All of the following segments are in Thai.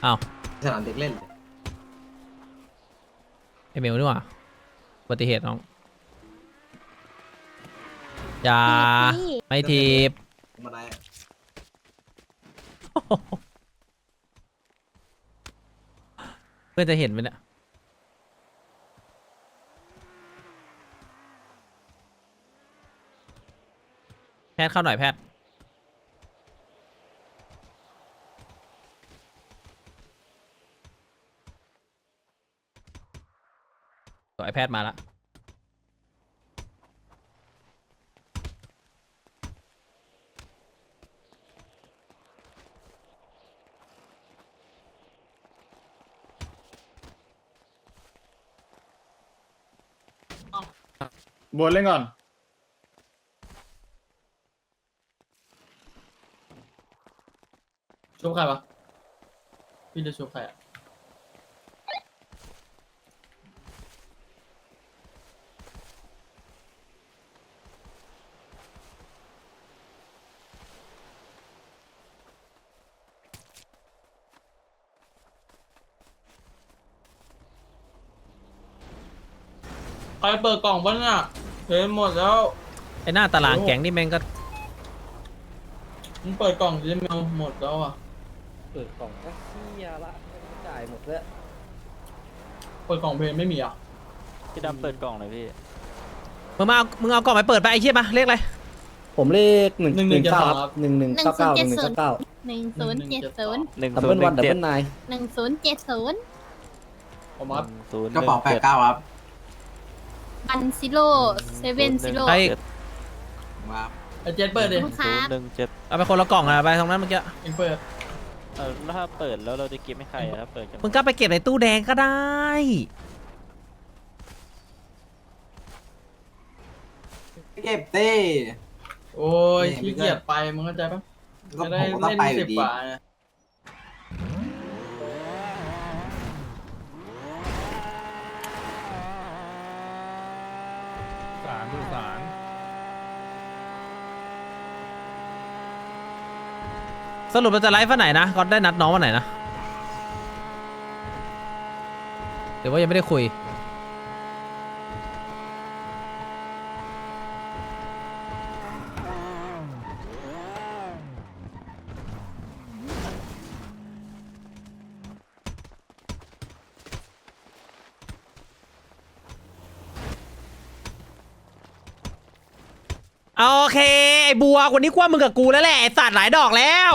อ้าวสนามเด็กเล่นเลยไอเมลนี่หว่าอุบัติเหตุน้องอย่าไม่ทีบมาได้เพื่อนจะเห็นไหมเนี่ยแพทย์เข้าหน่อยแพทย์ตัวไอแพทย์มาละบนเล่นก่อนชุบใครปะพี่จะชุบใครอ่ะใครเปิดกล่องบ้างอ่ะเห็นหมดแล้วไอหน้าตารางแก๊งนี่แม่งก็มึงเปิดกล่องดิแมวหมดแล้วอ่ะเปิดกล่องก็เฮียละจ่ายหมดแล้วเปิดกล่องเพลงไม่มีอ่ะพี่ดำเปิดกล่องเลยพี่มึงเอากล่องไปเปิดไปไอ้เชี่ยมาเรียกอะไรผมเลข119 1199 1199 หนึ่งดับศูเบินลย์วันดับเจ็เบิดลไนน์ผมหอัพนึ่งศูนย์กระเป๋าหนึ่งเจ็ด 89 ครับอันซิโร่เซเว่นซิโร่ไอมาไอเจ็ดเปิดดิลูกค้าหนึ่งเจ็ดเอาไปคนละกล่องอะไปตรงนั้นเมื่อกี้เองเปิดแล้วถ้าเปิดแล้วเราจะเก็บให้ใครอะถ้าเปิดจะมึงก็ไปเก็บในตู้แดงก็ได้เก็บเต้โอ้ยขี้เกียจไปมึงเข้าใจปะก็จะได้ผมก็ต้องเล่นไปอสิยู่บดีกว่าไงสารดูสารสรุปเราจะไลฟ์วันไหนนะก็ได้นัดน้องวันไหนนะหรือว่ายังไม่ได้คุยโอเคไอ้บัววันนี้กว่ามึงกับกูแล้วแหละไอ้สัตว์หลายดอกแล้ว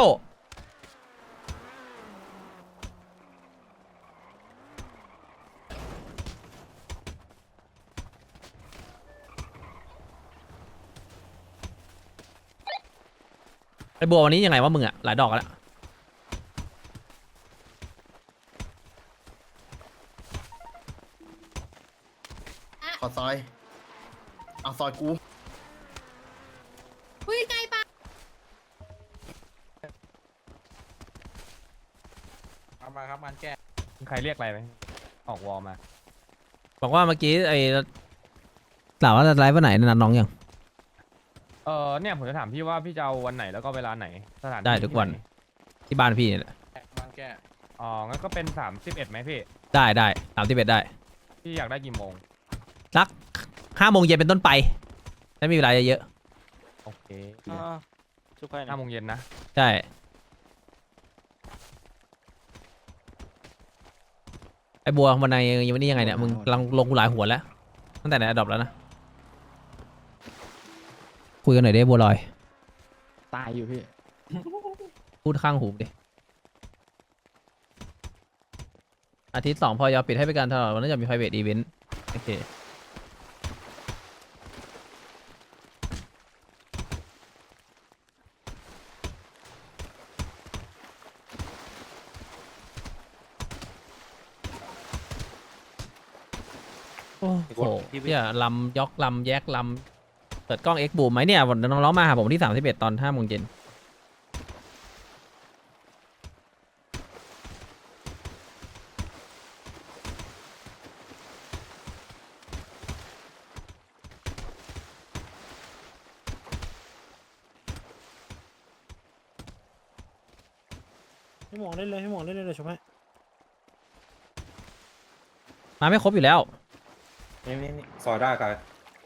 ไอ้บัววันนี้ยังไงวะมึงอะหลายดอกแล้วขอซอยเอาซอยกูคุยไกลปะเอามาครับงานแก้ใครเรียกอะไรไหมออกวอลมาบอกว่าเมื่อกี้ไอ้ถามว่าจะไลฟ์วันไหนนัดน้องยังเนี่ยผมจะถามพี่ว่าพี่จะเอาวันไหนแล้วก็เวลาไหนสถานที่ได้ทุกวันที่ไหที่บ้านพี่เนี่ยแหละงานแก้อ๋องั้นก็เป็น31ไหมพี่ได้31ได้พี่อยากได้กี่โมงสัก5 โมงเย็นเป็นต้นไปไม่มีเวลาเยอะโอเคชุบใครนะ 5 โมงเย็นนะใช่ไอ้บัววันไหนวันนี้ยังไงเนี่ยมึงกำลังลงกูหลายหัวแล้วตั้งแต่ไหนอดอปแล้วนะคุยกันหน่อยได้บัวลอยตายอยู่พี่พูดข้างหูดิอาทิตย์2พอยอปิดให้ไปการตลอดวันนั้นจะมี private event โอเคโอ้โหเนี่ยลำยกลำแยกลำเปิดกล้อง X บูมไหมเนี่ยวันน้องๆมาหาผมที่31ตอน5 โมงเย็นให้หมองเล่นเลยให้หมองเล่นเลยชมให้มาไม่ครบอยู่แล้วนี่ซอยได้กัน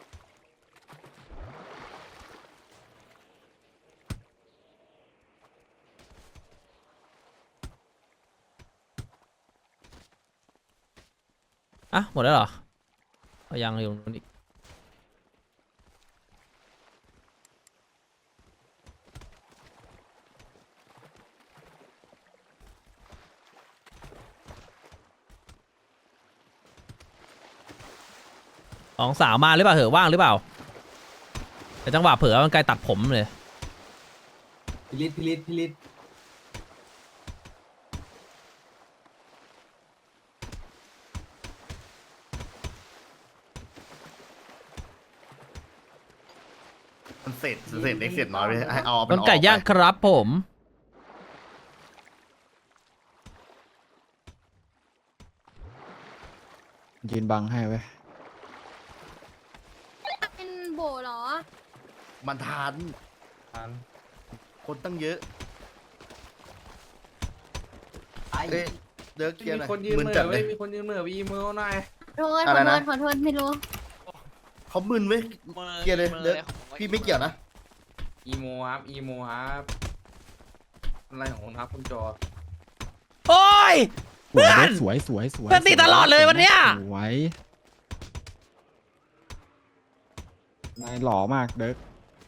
อ่ะหมดแล้วเหรอเอายังอยู่ตรงนู้นอีก2 สาวมาหรือเปล่าเหอะว่างหรือเปล่าแต่จังหวะเผลอมันไกลตัดผมเลยพิลิตมันเสร็จเล็กเสร็จน้อยไปให้เอาต้นไก่ย่างครับผมยืนบังให้ไว้เป็นโบเหรอมันทานคนตั้งเยอะไอ้เอ้ยเดิร์กเกียร์หน่อยมีคนยืนเหจัม่ดอเลเว้ยยมีคนยืนเหม่อวีมือหน่อยโทษอะไรนะขอโทษไม่รู้เขามึนเว้ยเกียร์เลยเดิร์กพี่ไม่เกี่ยวนะอีโมครับอีโมครับอะไรของคุณครับคุณจอโอ้ยสวยเด็กสวยเพื่อนติดตลอดเลยวันเนี้ยสวยนายหล่อมากเด็ก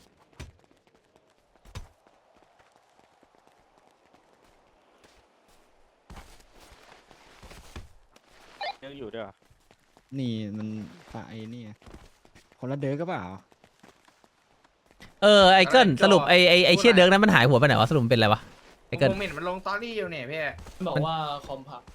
ยังอยู่ด้วยเหรอนี่มันฝ่ายนี่ไงคนละเด็กก็เปล่าไอเกิลสรุปไอเชี่ยเดิร์กนั้นมันหายหัวไปไหนวะสรุปมันเป็นอะไรวะไอเกิลผมเห็นมันลงสตอรี่อยู่เนี่ยพี่บอกว่าคอมพับ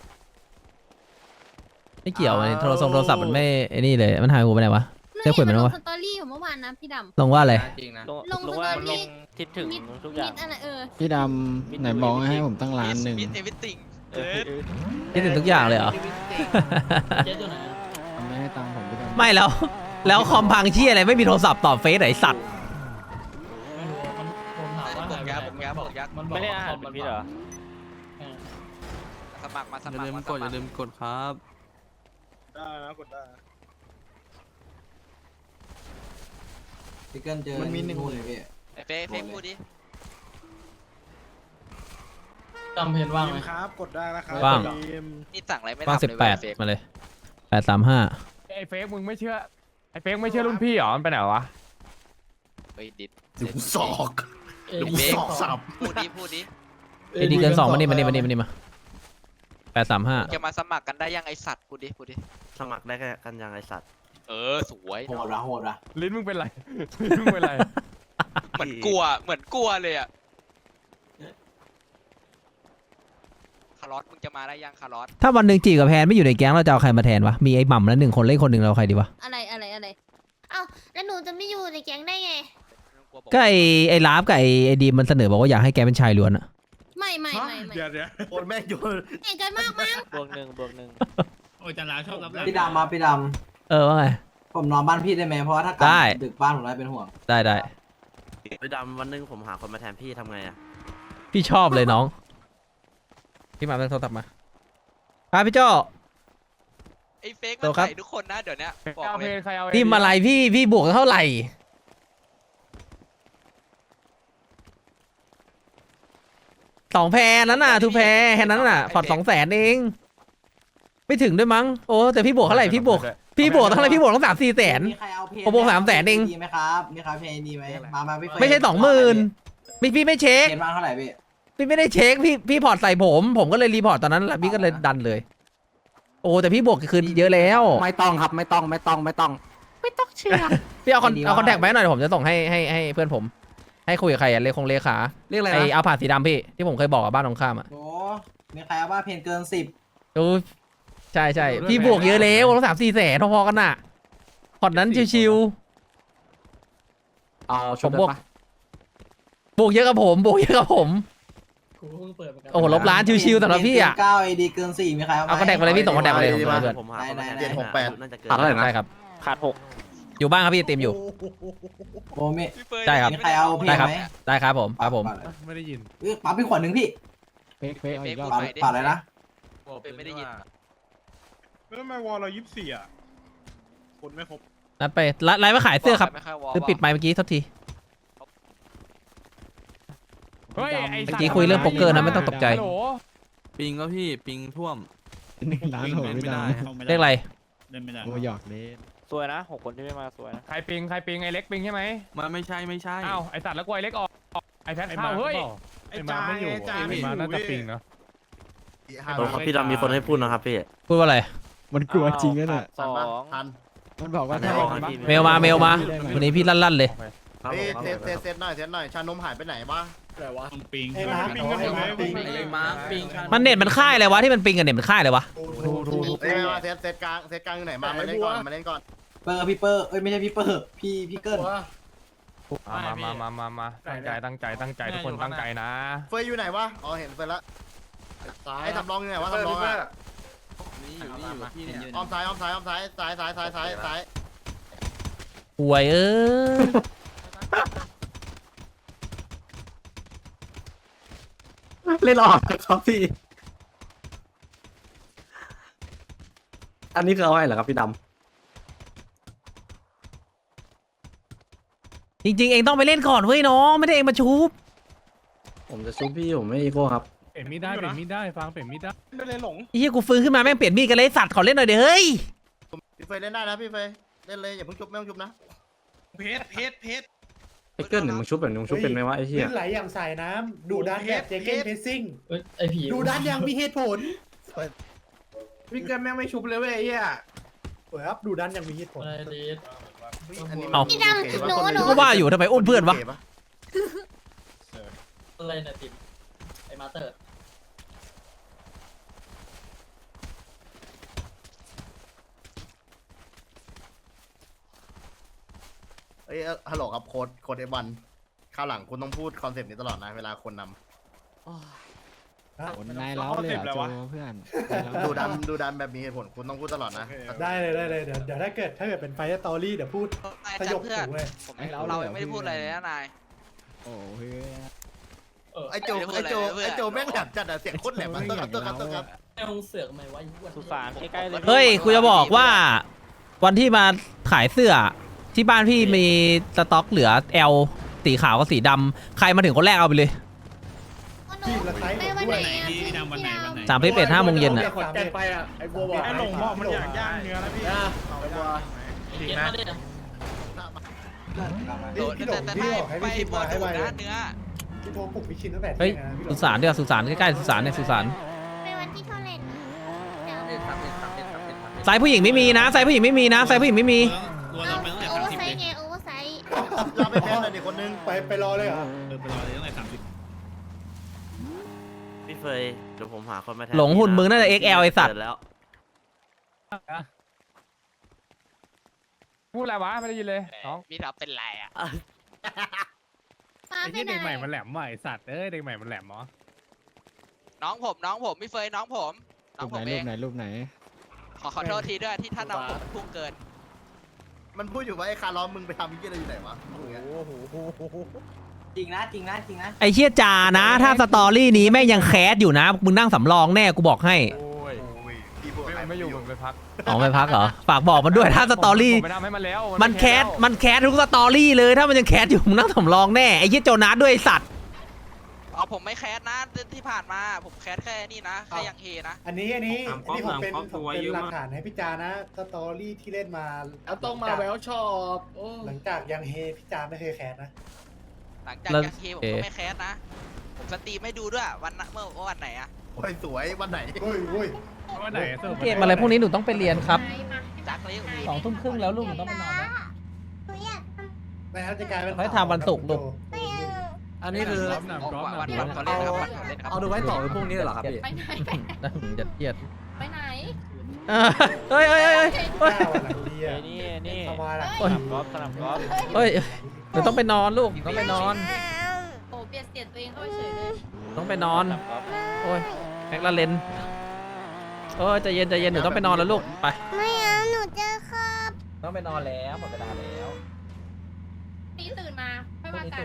ไม่เกี่ยวไอโทรศัพท์มันไม่ไอนี่เลยมันหายหัวไปไหนวะไม่เจ้าขุนมันลงวะสตอรี่ของเมื่อวานนะพี่ดลงว่าอะไรจริงนะลงลงว่าสตอรี่คิดถึงมิดทุกอมิย่างดอะไรพี่ดำไหนบอกให้ผมตั้งร้านหนึ่งเออคิดถึงทุกอย่างเลยเหรอเจ๊ตัวไหนอะไม่ให้ตังค์ผมพี่ดำไม่แล้วคอมพังเชี่ยอะไรไม่มีโทรศัพท์ตอบเฟซไหนสัตว์ไม่รู้อะผมถามว่าหายไปไหนมันบอกไม่ได้ว่าอ่าคน อมเป็มัน นพี่เหรอเออสมัครมาสมัครอย่าลืมกดครับพี่เกิลเจอมันมีหนึ่งนู่นเลยพี่เฟซพูดดิจำเพนว่างไหมครับกดได้นะครับว่างนี่สั่งอะไรไม่ว่างทำเลย 18มาเลย835 ไอ้เฟกมึงไม่เชื่อไอ้เฟกไม่เชื่อรุ่นพี่เหรอมันไปไหนวะเฮ้ยดิดเดี๋ยวกูสอกเอ้ยเดี๋ยวกูสอกสับพูดดิไอดีเกิน2มานี่มา835 จะมาสมัครกันได้ยังไอสัตว์พูดดิสมัครได้กันยังไอสัตว์สวยโหดว่ะลิ้นมึงเป็นไรลิ้นมึงเป็นไรเหมือนกลัวเลยอ่ะคาร์ลอสมึงจะมาได้ยังคาร์ลอสถ้าวันหนึ่งจีกับแพนไม่อยู่ในแก๊งเราจะเอาใครมาแทนวะมีไอ้หม่ำแล้ว1 คนเล่นคนหนึ่งเราเอาใครดีวะอะไรเอ้าแล้วหนูจะไม่อยู่ในแก๊งได้ไงก็ไอ้ลาฟกับไอ้ดีมมันเสนอบอกว่าอยากให้แกเป็นชายล้วนอะไม่เดี๋ยวโอนแม่งโยนเก่งกันมากมั้งบวกหนึ่งโอ้ยจันลาชอบรับหลังพี่ดำมาพี่ดว่าไงำผมนอนบ้านพี่ได้ไหมเพราะว่าถ้ากลัได้ดึกบ้านผมได้เป็นห่วงได้ไปดำวันนึงผมหาคนมาแทนพี่ทำไงอ่ะพี่ชอบเลยน้องพี่มาเรื่องโทรศัพท์มาครับพี่โจ้ไอเฟกโตมันครับใส่ทุกคนนะเดี๋ยวนี้บอกเอาเลเพยลใครเอาพี่มาอะไรพี่บวกเท่าไหร่2 แพรนั้นน่ะทูแพรแค่นั้นน่ะพอร์ต200,000เองไม่ถึงด้วยมั้งโอ้แต่พี่บวกเท่าไหร่พี่บวกเท่าไหร่พี่บวกต้อง3-4 แสนมีใครเอาเพนผมบวก300,000เองดีไหมครับมีใครเพนดีไหมมาพี่เฟย์ไม่ใช่20,000พี่ไม่เช็คเพนบ้างเท่าไหร่พี่พี่ไม่ได้เช็คพี่พอร์ตใส่ผมก็เลยรีพอร์ตตอนนั้นแหละพี่ก็เลยดันเลย โอ้แต่พี่บวกคืนเยอะแล้วไม่ต้องครับไม่ต้องเชื่อพี่เอาคอนแทคไปหน่อยเดี๋ยวผมจะส่งให้เพื่อนผม ให้คุยกับใครอะเลขาเรียกอะไรไอนะเอาผ่าสีดำพี่ที่ผมเคยบอกกับบ้านตรงข้ามอ่ะโอ้มีใครเอาว่าเพนเกิน10 ดูใช่พี่บวกเยอะแล้วต้อง3-4 แสนพอๆกันน่ะพอร์ตนั้นชิวเอาชุดผมบวกได้ปะๆบวกเยอะกับผมกูเพิ่งเปิดเหมือนกันโอ้โหลบล้านชิวๆสำหรับพี่อ่ะ 9 AD เกิน4มีใครเอาไหมเอาคอนแทคมาเลยพี่ส่งคอนแทคมาเลยผมส่งให้เพื่อนผมหาได้เจ็ดหกแปดน่าจะเกินขาดเท่าไหร่นะใช่ครับขาดอยู่บ้านครับพี่เต็มอยู่โอ้มี 6พี่เฟยได้ครับมีใครเอาเพนได้ครับไหมได้ครับผมครับผมไม่ได้ยินปั๊บพี่ขวดหนึ่งพี่เฟกเอาอีกรอบปั๊บอะไรนะเป็นไม่ได้ยินแล้วทำไมวอลเรา24อ่ะคนไม่ครบนัดไปไลฟ์มาขายเสื้อครับไม่ค่อยวอลคือปิดไมค์เมื่อกี้โทษทีเฮ้ยไอ้เมื่สัอตว์กี้คุยเรื่องโป๊กเกอร์นะไม่ต้องตกใจฮัลโหลปิงก็พี่ปิงท่วมร้านโหไม่ได้เรียกอะไรโอ้หยอกเล่นสวยนะ6 คนที่ไม่มาสวยนะใครปิงไอ้เล็กปิงใช่ไหมมันไม่ใช่อ้าวไอ้สัตว์แล้วกูไอ้เล็กออกไอ้แพทเข้าเฮ้ยไอ้จ้าไม่อยู่จ้าไม่อยู่น่าจะปิงเนาะพี่ดำมีคนให้พูดนะครับพี่พูดว่าอะไรมันกลัวจริงนะเนี่ย 2 ทันมันบอกว่าไม่ถ้าออกมันพี่เมลมาวันนี้พี่ลั่นๆเลยเฮ้ยเซตหน่อยชานมหายไปไหนวะปิงปิงกันอยู่ไหมปิงไอ้มาร์คปิงมันเน็ตมันค่ายอะไรวะที่มันปิงกับเน็ตมันค่ายอะไรวะเอ้ยมาเซตกลางอยู่ไหนมาเล่นก่อนมาเล่นก่อนเปอร์พี่เปอร์เอ้ยไม่ใช่พี่เปอร์พี่เกิลมาตั้งใจทุกคนตั้งใจนะเฟยอยู่ไหนวะอ๋อเห็นเฟยละไอ้สำรองอยู่ไหนวะสำรองอ่ะนี่อยู่พี่เนี่ยอ้อมซ้ายซ้ายป่วยเล่นออกครับพี่ อันนี้คือเอาให้เหรอครับพี่ดจริงๆเองต้องไปเล่นก่อนเว้ยน้องไม่ได้เองมาชูบำผมจะซุปพี่ผมไม่อีโก้ครับเปลี่ยนมีดได้ฟังเปลี่ยนมีดได้ไม่เลยหลงไอ้เหี้ยกูฟื้นขึ้นมาแม่งเปลี่ยนมีดกันเลยสัตว์ขอเล่นหน่อยเดี๋ยวเฮ้ยพี่เฟยเล่นได้นะพี่เฟยเล่นเลยอย่าเพิ่งชุบไม่ต้องชุบนะเพชรไอ้เกิลหนึ่งมึงชุบแบบมึงชุบเป็นไหมวะไอ้เหี้ยไหลอย่างใส่น้ำดูด้านแบบเจเก้นเพซซิ่งเอ้ยไอผีดูด้านอย่างมีเหตุผลพี่เกินแม่งไม่ชุบเลยเว้ยไอ้เหี้ยสวยครับดูด้านอย่างมีเหตุผลอะไรดีอันนี้พี่ดำหนูก็ว่าอยู่ทำไมอุ้มเพื่อนวะอะไรเนี่ยติมไอมาเตอร์เอ้ยฮัลโหลครับโค้ดF1ข้าวหลังคุณต้องพูดคอนเซปต์นี้ตลอดนะเวลาคนนำคนนายเล้าเลยอ่ะโจเพื่อนดูดันแบบมีเหตุผลคุณต้องพูดตลอดนะได้เลยเดี๋ยวถ้าเกิดเป็นไฟสตอรี่เดี๋ยวพูดสยบหูเลยเรายังไม่ได้พูดอะไรเลยนะนายโอ้เพื่อนไอโจแม่งแหลมจัดอะเสียงโคตรแหลมอะตัวครับไอ้มึงเสือกทำไมวะยุ่งสุสานใกล้ๆเลยเฮ้ยกูจะบอกว่า วันที่มาขายเสื้อที่บ้านพี่มีสต็อกเหลือ L สีขาวกับสีดำใครมาถึงคนแรกเอาไปเลยไปวันไหนอ่ะพี่ดำวันไหน 31 5 โมงเย็นอ่ะแกไปอ่ะไอ้บัวบอกไอ้หลงบอกมันอยากย่างเนื้อแล้วพี่เก็บมาดิแต่ถ้าไปบอลถูกนะเนื้อพี่โทรปลุกพี่ชินตั้งแต่เฮ้ยสุสานเดี๋ยวสุสานใกล้ๆสุสานเนี่ยสุสานไปวันที่เท่าไหร่นะเดี๋ยวสายผู้หญิงไม่มีนะสายผู้หญิงไม่มีนะสายผู้หญิงไม่มีโอเวอร์ไซส์ไงโอเวอร์ไซส์เราไปแพ้เลยดิคนนึงไปรอเลยเหรอพี่เฟยเดี๋ยวผมหาคนมาแทนหลงหุ่นมึงน่าจะ XL ไอสัตว์แล้วพูดอะไรวะไม่ได้ยินเลยน้องพี่ทับเป็นไรอ่ะฟ้าเป็นอะไรมันแหลมใหม่สัตว์เอ้ยเด็กใหม่มันแหลมเหรอน้องผมพี่เฟยน้องผมรูปไหนเอรูงปไหนรูปไหนขอโทษทีด้วยที่ท่านน้องผมพุ่งเกินมันพูดอยู่ว่าไอ้คาร์ลอมมึงไปทำยี่อะไรอยู่ไหนวะจริงนะไอเชี่ยจานะ ถ้าสตอรี่นี้แม่งยังแคสอยู่นะมึงนั่งสำรองแน่กูบอกให้โอ้ยพี่บัวไม่อยู่มันไปพักอ๋อไม่พักเหรอฝากบอกมันด้วยถ้าสตอรี่ผมไปทำให้มันแล้วมันแคสทุกสตอรี่เลยถ้ามันยังแคสอยู่มึงนั่งสำรองแน่ไอ้เชี่ยโจนัสด้วยไอ้สัตว์เอาผมไม่แคสนะที่ผ่านมาผมแคสแค่นี้นะแค่ยังเฮนะอันนี้ผมเป็นหลักฐานให้พี่จานะสตอรี่ที่เล่นมาแล้วต้องมาแววชอบโอ้หลังจากยังเฮพี่จาไม่เคยแคสนะหลังจากยังเฮผมก็ไม่แคสนะผมสตรีมไม่ดูด้วยเมื่อวันไหนอะโอ้ยสวยวันไหนโอ้ยวันไหนเกมอะไรพวกนี้หนูต้องไปเรียนครับจักเลย 2 ทุ่มครึ่งแล้วลูกหนูต้องไปนอนแล้วหนูอยากทไม่ครับจะกลายเป็นให้ทำวันศุกร์ลูกำไปเอออันนี้คือวันเขาเล่นนะครับวันเขาเล่นครับเอาดูไว้ต่อไปพรุ่งนี้เหรอครับพี่ไปไหนจะเครียดไปไหนเฮ้ยหน้าวันหลังดีอ่ะนี่เข้ามาละโอ้ยสนามกอล์ฟเฮ้ยหนูต้องไปนอนลูกต้องไปนอนโอ้เปลี่ยนเสียงตัวเองเข้าไปเฉยเลยต้องไปนอนโอ้ยแม็กลาเลนโอ้ยใจเย็นหนูต้องไปนอนแล้วลูกไปไม่เอาหนูจะครับต้องไปนอนแล้วหมดเวลาแล้วนี่ตื่นมาไม่ว่ากัน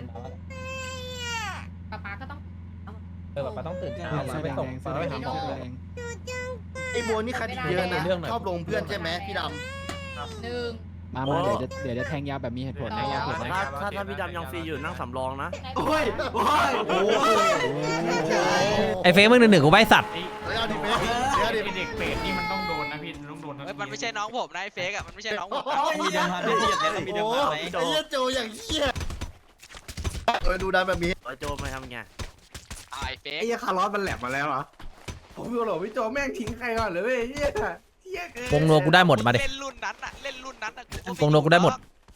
ป๊าป๊าก็ต้องแบบต้องตื่นเช้าเสื้อแดงไปส่งเสื้อแดงไปหาหมอเสื้อแดงหนูจังอ้โบนี่คดีเยอะนะชอบลงเพื่อนใช่ไหมพี่ดมาเดี๋ยวจะแทงยาวแบบมีเหตุผลนะยาวเหตุผลนะถ้าพี่ดำยังฟรีอยู่นั่งสำรองนะำโอ้ยโอ้ยโอ้ยไอ้เฟซมึง1-1กูใบสัตว์แล้วดิเป๊ะแล้วดิเด็กเปรตนี่มันต้องโดนนะพี่ต้องโดนนะเฮ้ยมันไม่ใช่น้องผมนะไอ้เฟกอะมันไม่ใช่น้องผมนะมีเดิมพันที่จะมีเดิมโอ้พันไหมไอ้เหี้ยโจอย่างเหี้ยดูดันแบบนี้โจมาทำไงไอ้เฟกไอ้เหี้ยคาร์ลอสมันแหลมมาแล้วเหรอผมพี่โหลพี่โจแม่งทิ้งใครก่อนเลยเว้ยเหี้ยเกินวงนัวกูได้หมดมาดิเล่นรุ่นนั้นอะเล่นรุ่นนั้นอะกูวงนัวกูได้หมด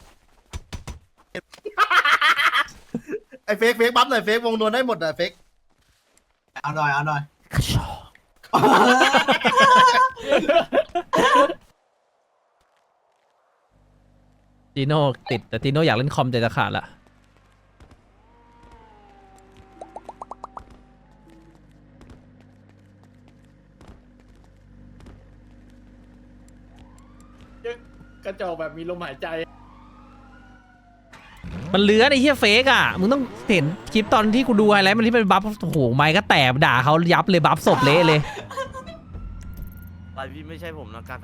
ไอ้เฟกบัฟหน่อยเฟกวงนวลได้หมดอะเฟกเอาหน่อยเอาหน่อยจีโน่ติดแต่จีโน่อยากเล่นคอมใจจะขาดละกระจอกแบบมีลมหายใจมันเลื้อนไอ้เหี้ยเฟกอ่ะมึงต้องเห็นคลิปตอนที่กูดูไฮไลท์มันที่เป็นบัฟโอ้โหไม้ก็แตกด่าเขายับเลยบัฟศพเละเลยไปพี่ไม่ใช่ผมนะการ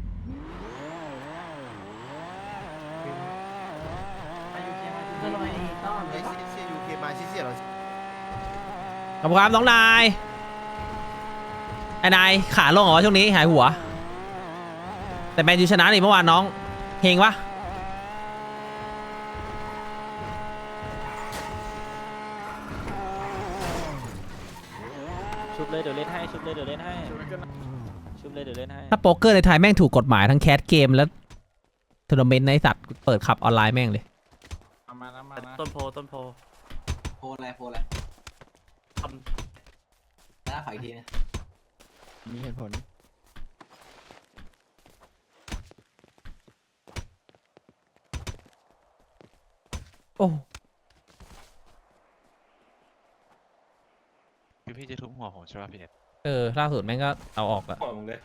ไอ้เชี่ยยูเคมาเชี่ยเราขอบคุณครับน้องนายไอ้นายขาลงเหรอช่วงนี้หายหัว แต่แมนยูชนะนี่เมื่อวานน้องเฮงปะชุบเลยเดี๋ยวเล่นให้ชุบเลยเดี๋ยวเล่นให้ชุบเลยเดี๋ยวเล่นให้ถ้าโป๊กเกอร์ในไทยแม่งถูกกฎหมายทั้งแคสเกมแล้วทัวร์นาเมนต์ในสัตว์เปิดขับออนไลน์แม่งเลยมานะมานะต้นโพโพอะไรหน้าฝ่ายทีนะมีเหตุผลโอ้คือพี่จะทุบหัวผมใช่ป่ะพี่เน็ตล่าสุดแม่งก็เอาออกอะปล่อยมึงเลย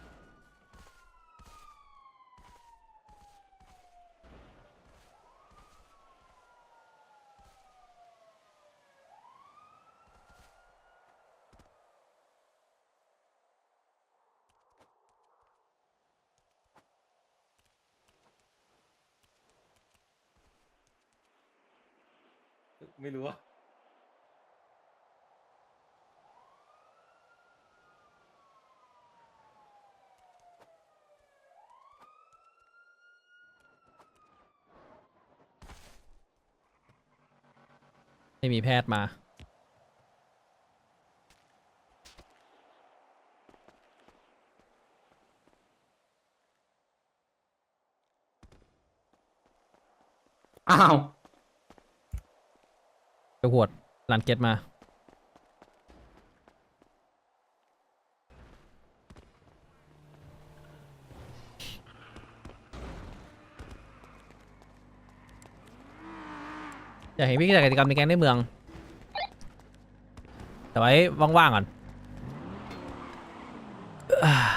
ไม่รู้ว่าไม่มีแพทย์มาอ้าวไปหวดลันเก็ตมา อยากเห็นพี่จัดกิจกรรมในแก๊งในเมือง แต่ไว้ว่างๆก่อน